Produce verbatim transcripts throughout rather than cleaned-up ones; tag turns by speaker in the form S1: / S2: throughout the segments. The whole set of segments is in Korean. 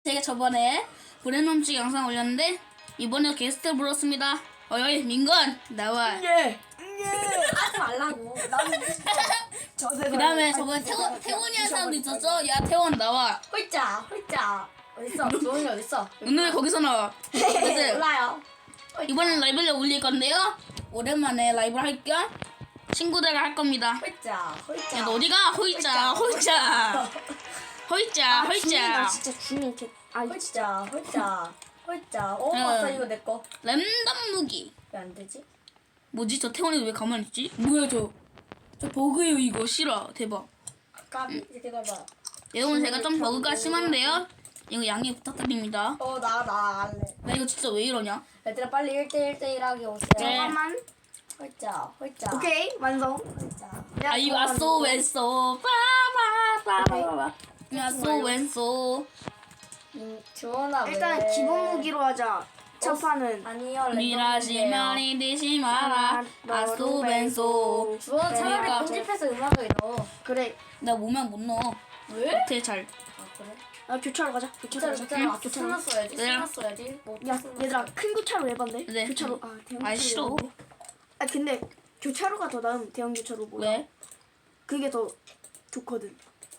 S1: 제가 저번에 브레놈치 영상 올렸는데 이번에 게스트 불렀습니다. 어이 민건 나와.
S2: 예. 예. 하지 말라고. 나는
S1: 그 다음에 저번에 태원, 태원이 한 사람도 있었어. 야 태원 나와.
S2: 홀짜 홀짜 어딨어? 조은이 어딨어?
S1: 오늘 거기서 나와. 그래서
S2: 몰라요.
S1: 이번엔 라이브를 올릴 건데요. 오랜만에 라이브 할 겸 친구들과 할 겁니다.
S2: 홀짜 홀짜.
S1: 야 너 어디가? 호이자 호이자 호이자
S3: 나
S1: 호이자.
S3: 진짜 주민 개. 아,
S2: 홀짜 홀짜 홀짜. 어
S1: 응.
S2: 맞다 이거 내 거.
S1: 랜덤 무기.
S2: 왜 안 되지?
S1: 뭐지 저 태원이 왜 가만히 있지? 뭐야 저? 저 버그예요 이거 싫어 대박.
S2: 까비 이렇게 봐봐.
S1: 여러분 제가 좀 버그가 심한데요. 이거 양해 부탁드립니다.
S2: 어나 나 할래.
S1: 나 이거 진짜 왜 이러냐?
S2: 얘들아 빨리 일 대 일 대 일 하게 오세요.
S1: 네.
S3: 잠깐만.
S2: 홀짜 홀짜.
S3: 오케이 완성.
S2: 홀짜.
S3: 야,
S1: 아이 왔소 왼소 빠바바바바. 야소 왼소.
S2: 음, 주원아 왜?
S3: 일단 기본 무기로 하자. 첫 판은
S2: 아니요.
S1: 미라시면 이듯이 마라. 아소 왼소.
S2: 주원 차라리
S1: 그러니까.
S2: 편집해서 음악을 넣어.
S3: 그래.
S1: 나 오면 못 넣어.
S2: 왜?
S1: 못해 잘.
S2: 아 그래?
S3: 아 교차로 가자. 교차로
S2: 진짜로
S3: 가자.
S2: 진짜로 아까 쓰나 써야지.
S1: 네.
S2: 쓰나 써야지. 뭐
S3: 야 얘들아 큰 교차로 해봤네.
S1: 네.
S3: 교차로. 아 대형
S1: 아
S3: 교차로.
S1: 싫어.
S3: 해봤네. 아 근데 교차로가 더 나은 대형 교차로 뭐야?
S1: 왜?
S3: 그게 더 좋거든.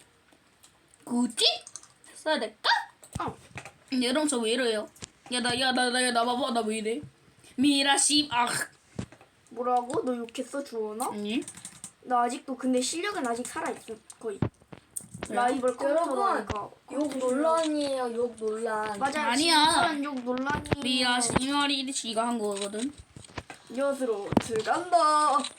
S1: 굳이? 써야 될까?
S3: 어.
S1: 음, 여러분 저 왜 이래요? 야나야나나나 봐봐 나 왜 이래? 미라시 아
S3: 뭐라고? 너 욕했어 주원아?
S1: 아니
S3: 나 아직도 근데 실력은 아직 살아있어 거의.
S1: 그래요?
S3: 라이벌 컴퓨터로
S2: 여러분,
S3: 하니까.
S2: 욕 논란이에요. 욕 논란.
S3: 맞아.
S1: 아니야.
S3: 지금 욕 논란이.
S1: 미라시 말이 지가 한 거거든.
S3: 이것으로 들어간다. 아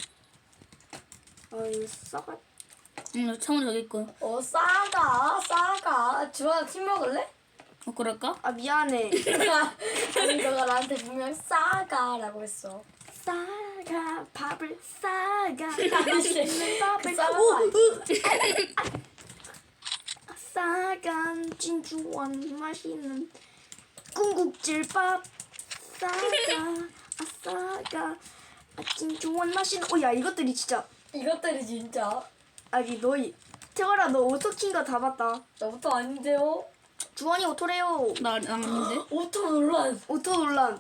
S3: 이거 싸가.
S1: 응 창문 저기 있고.
S2: 어 싸가 싸가. 주원아 팀 먹을래?
S1: 어 그럴까?
S3: 아 미안해.
S2: 아니 너가 나한테 분명 싸가라고 했어.
S3: 싸가 밥을 싸가
S2: 맛있는
S3: 밥을
S2: 싸가
S3: 오,
S2: 맛있어.
S3: 싸간 진주원 맛있는 궁극질밥 싸가 아 싸가 아 진주원 맛있는 오야 이것들이 진짜
S2: 이것들이 진짜
S3: 아니 너희 태월아 너 오토킨 거 다 봤다.
S2: 너부터 아닌데요?
S3: 주원이 오토래요.
S1: 나 안 했는데.
S2: 오토 논란.
S3: 오토 논란.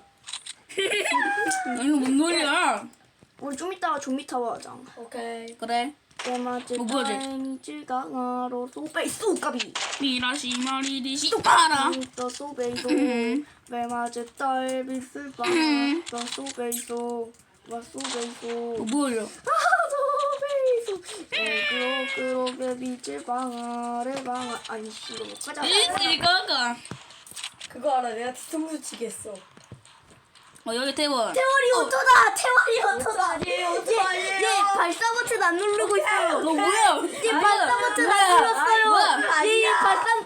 S1: 이거 뭔 소리야?
S3: 우리 좀 이따가 좀비 타워 하자.
S2: 오케이.
S1: 그래.
S3: 때맞을
S1: 뭐 뭐지?
S3: 타이밍질 강화로 소베이 쏘까비
S1: 미라시 말이 시 똑바라.
S3: 또 소베이소
S1: 음.
S3: 때맞을 딸비슬 바
S1: 음.
S3: 또 소베이소 와 소베이소
S1: 어, 뭐야?
S3: 아 소베이소 어그로 그로 빛을 방아를 방아 아니 이거 못 가자.
S1: 이거가.
S2: 그거 알아? 내가 뒤통수 치겠어.
S1: 어 여기 태원.
S3: 태월이 오토다. 태월이 오토다.
S2: 아니에요. 오토 아니에요.
S3: 얘 발사 버튼 안 누르고 있어요.
S1: 너 뭐야?
S3: 얘 발사 버튼 안 눌렀어요.
S1: 뭐야?
S3: 얘 발사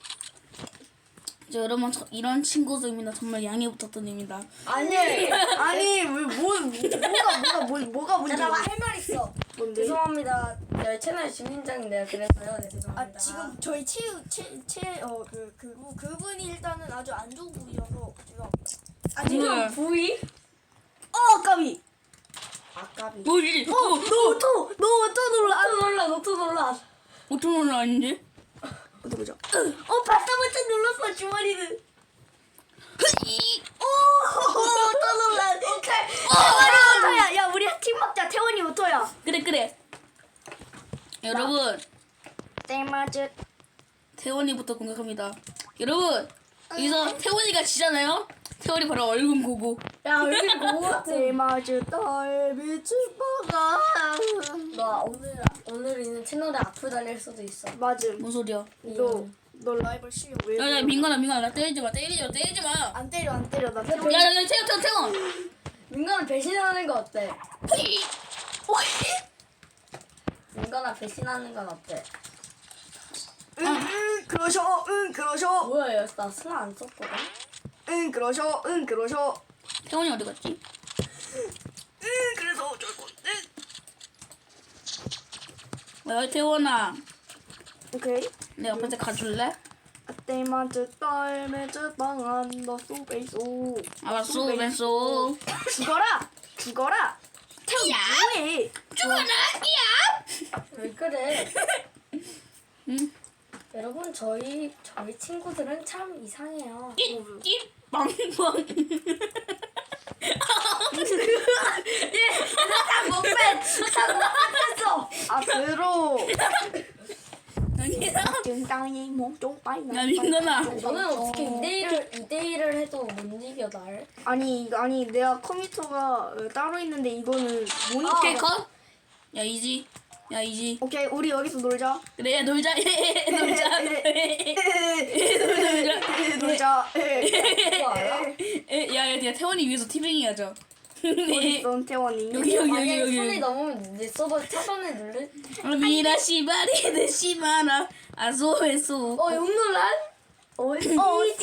S1: 저 여러분 저, 이런 친구들입니다. 정말 양해 부탁드립니다.
S2: 아니.
S3: 아니 왜뭐 뭐가 뭐가 뭐, 뭐가 문제야?
S2: 내가 할 말 있어.
S3: 뭔데?
S2: 죄송합니다. 네, 채널 주민장인데요. 그래서요. 네, 죄송합니다.
S3: 아 지금 저희 최최최어그 그 그분이 일단은 아주 안 좋은 분이라서 죄송합니다.
S2: 아 지금
S1: 뭐야?
S2: 부위?
S3: 어 까비.
S2: 아까비.
S1: 뭐지?
S3: 어 노토 노토 놀라.
S2: 노트 놀라. 노트 놀라.
S1: 오토는 아닌데?
S3: 어디 보자. 어 발사 버튼 눌렀어 주머니는. 오또 놀라.
S2: 오케이.
S3: 태원이 오토야. 야 우리 팀 먹자. 태원이 오토야.
S1: 그래 그래. 여러분
S3: 때맞을
S1: 태원이부터 공격합니다. 여러분 여기서 태원이가 지잖아요. 태원이 바로 얼굴 보고.
S2: 야 얼굴 보고 같아.
S3: 때맞을 딸빛을 먹어.
S2: 너 오늘 오늘 있는 채널에 앞으로 달릴 수도 있어.
S3: 맞음.
S1: 뭔 소리야?
S3: 너너 라이벌 실력 왜?
S1: 야야 민간아 민간아 나 때리지 마 때리지 마 때리지 마.
S3: 안 때려 안 때려 나 태원.
S1: 야야야 태원 태원 태원.
S2: 민간아 배신하는 거 어때?
S1: 휘!
S2: 민간아 배신하는 건 어때?
S3: 응응 그러셔 응 그러셔
S2: 뭐야 얘, 나 스나 안 썼거든?
S3: 응 그러셔 응 그러셔
S1: 태원이 어디 갔지?
S3: 응 그래서 어쩔 건데.
S1: 야 태원아
S3: 오케이.
S1: 내 옆에 가줄래?
S3: 때맞을 딸매질 방안 너 쏘베이소.
S1: 알았어 왼손.
S3: 죽어라 죽어라. 태우 뭐해?
S1: 죽어라 야.
S2: 왜 그래?
S1: 응.
S2: 여러분 저희 저희 친구들은 참 이상해요.
S1: 띠띠 빵빵.
S2: 못 뺐. 못 뺐어.
S3: 아 들어.
S1: 아니야.
S3: 땅이 몸좀 빠이.
S1: 야 민건아.
S2: 저는 어떻게 이 대 일을 이 대 일을 해도 못 이겨 날?
S3: 아니 아니 내가 컴퓨터가 어, 따로 있는데 이거는 모니터.
S1: 오케이 컷. 야 이지. 야 이지.
S3: 오케이 우리 여기서 놀자.
S1: 그래 야 놀자. 놀자. 놀자.
S3: 놀자.
S2: 그거 알아?
S1: 야야 야 태원이 위해서 티빙이 하자.
S3: 어디 있어 태원이?
S1: 여기 여기
S2: 만약에
S1: 여기
S2: 손이
S1: 여기.
S2: 넘으면 내 서버 차단을 누를?
S1: 미라 시바리 시마라 아소에소.
S2: 어 용놀란?
S3: 어디?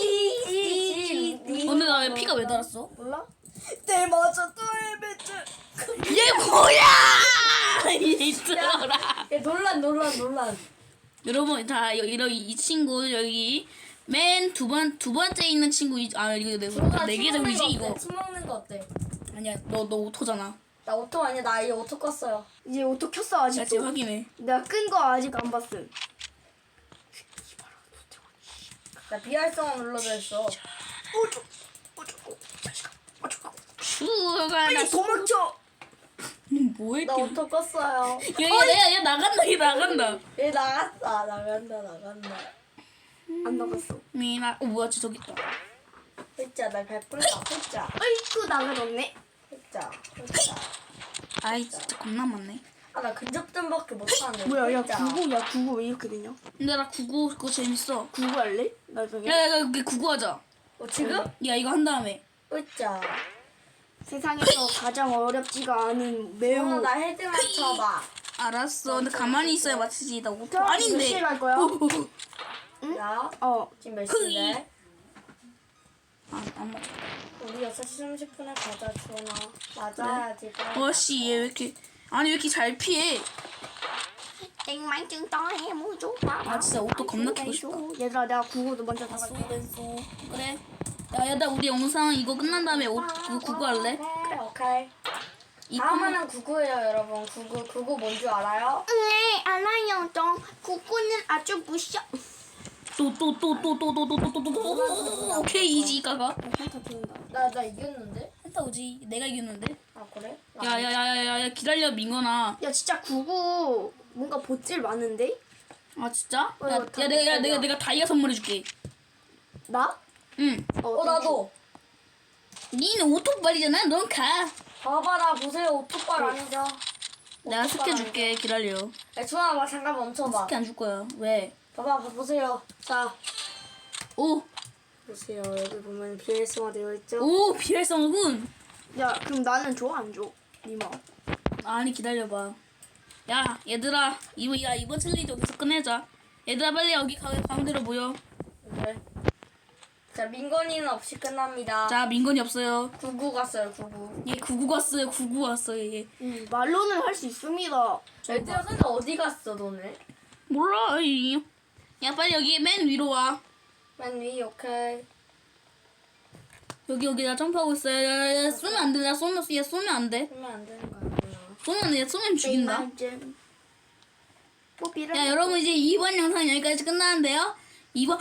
S2: 어디?
S1: 오늘 나 왜 피가 왜 달았어?
S2: 몰라?
S3: 때 맞아 또 헤매지.
S1: 얘 뭐야? 이 들어라.
S2: 야 놀란 놀란 놀란.
S1: 여러분 다 여- 이러 이 친구 여기 맨 두 번 두 번째 있는 친구 이- 아 이거 내가 네개
S2: 침 먹는
S1: 정이지
S2: 거
S1: 이거.
S2: 어때? 침 먹는 거 어때?
S1: 아니야 너 너 오토잖아.
S2: 나 오토 아니야. 나 이 오토 껐어요.
S3: 이제 오토 켰어
S1: 야 지금
S3: 아직도.
S1: 확인해.
S3: 내가 끈 거 아직 안 봤음.
S2: 나 비활성화 눌러져 있어.
S3: 어쩌 어쩌고 자식아 어쩌고.
S1: 슈가 나
S3: 빨리 도망쳐.
S1: 뭐해?
S2: 나 오토 껐어요.
S1: 야야야 나간다 얘 나간다.
S2: 얘 나갔다. 나간다 나간다.
S3: 안 나갔어.
S1: 미나 어 뭐야 저기 있다.
S2: 흑자 날 밟을까? 흑자
S3: 아이쿠 나가졌네.
S2: 흑자 흑자.
S1: 아이 진짜 겁나 많네.
S2: 아나 근접전밖에 못하는데.
S3: 뭐야 야
S2: 흑자.
S3: 구구 야 구구 왜 이렇게 되냐?
S1: 근데 나 구구 그거 재밌어.
S3: 구구 할래? 나중에.
S1: 야야 그 구구 하자.
S2: 어 지금?
S1: 야 이거 한 다음에.
S2: 흑자.
S3: 세상에서 가장 어렵지가 않은 매우.
S2: 어, 나 헤드 맞춰봐.
S1: 알았어. 근데 가만히 있어야 맞히지. 나 오토
S3: 태연이 몇
S1: 아닌데.
S3: 시에 갈 거야?
S2: 야
S3: 어.
S2: 지금 몇 시인데?
S1: 아안 맞아.
S2: 우리 여섯 시 삼십 분에 가자 주원아. 맞아야지.
S1: 와씨 얘 왜 이렇게 아니 왜 이렇게 잘 피해?
S3: 땡만증 떠해 모조.
S1: 아 진짜 옷도 겁나 키고 싶다.
S3: 얘들아 내가 구구도 먼저 다
S1: 됐어
S3: 갈게.
S1: 됐어. 그래. 야 야나 우리 영상 이거 끝난 다음에 옷 그거 구구 할래?
S2: 오케이 오케이.
S1: 이
S2: 다음은 구구예요 여러분. 구구 구구 뭔 줄 알아요?
S3: 네 알아요. 좀 구구는 아주 무셔.
S1: 또또또또또또또또또또 오케이 이지 가가.
S3: 한타 들린다.
S2: 나 나 이겼는데?
S1: 한타 오지. 내가 이겼는데.
S2: 아 그래? 나
S1: 야야야야야 기다려 민건아.
S3: 야 진짜 구구 뭔가 보질 많은데?
S1: 아 진짜?
S2: 어,
S1: 야,
S2: 이거 다
S1: 야 내가 야,
S2: 내
S1: 내가
S2: 거야.
S1: 내가 다이아 선물해줄게.
S3: 나?
S1: 응.
S2: 어 나도.
S1: 니는 오토빨이잖아. 넌 가.
S2: 봐봐 나 보세요. 오토빨 아니죠?
S1: 내가
S2: 오토빨
S1: 스케 줄게.
S2: 아니죠?
S1: 기다려.
S2: 야 주원아 막 잠깐 멈춰봐.
S1: 스케 안 줄 거야. 왜?
S2: 봐봐 봐, 보세요. 자
S1: 오.
S2: 보세요. 여기 보면 비활성화 되어 있죠?
S1: 오 비활성어군.
S3: 야 그럼 나는 줘 안 줘? 니마.
S1: 아니 기다려봐. 야 얘들아 이번 야 이번 챌린지 여기서 끝내자. 얘들아 빨리 여기 가, 가운데로 모여.
S2: 네. 자 민건이는 없이 끝납니다.
S1: 자 민건이 없어요.
S2: 구구 갔어요 구구.
S1: 얘 구구 왔어요. 구구 왔어요. 얘.
S3: 음, 말로는 할 수 있습니다.
S2: 얘들아 근데 어디 갔어 너네?
S1: 몰라. 이. 야 빨리 여기 맨 위로 와.
S2: 맨 위 오케이.
S1: 여기 여기 나 점프하고 있어요. 야, 야, 야 쏘면 안 돼. 나 쏘면 얘 쏘면 안 돼.
S2: 하면 안 되는 거 아니야?
S1: 쏘면 안 돼. 얘 쏘면 죽인다.
S3: 땡만증. 뽀삐를.
S1: 야 여러분 이제 이번 영상 여기까지 끝나는데요. 이번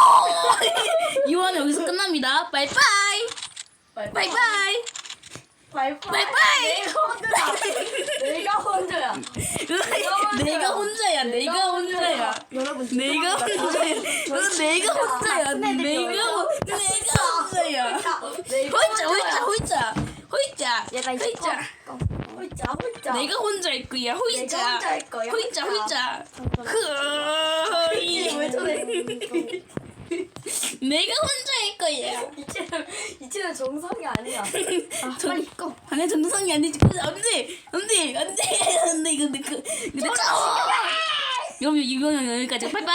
S1: 이번 여기서 끝납니다. 바이바이. 바이바이.
S2: 바이바이.
S1: 바이바이.
S2: 내가 혼자야.
S1: 내가 혼자야. 내가 혼자야.
S3: 여러분
S1: 내가 혼자야. 넌 내가 혼자야. 내가 혼- 내가 혼자야. 혼자 혼자 혼자 혼자
S3: 얘가 이제
S1: 혼자
S2: 혼자 혼자.
S1: 내가 혼자일 거야.
S2: 내가
S1: 혼자
S2: 혼자 할 거야.
S1: 혼자 혼자
S2: 이게 왜 저래?
S1: 내가 혼자일 거야.
S2: 이제는 이제는 정상이 아니야.
S3: 아, 빨리 꺼.
S1: 아니 정상이 안 되지. 안돼 안돼 안돼 안돼 근데 그 근데 여러분 이번 영상 여기까지. 바이바이.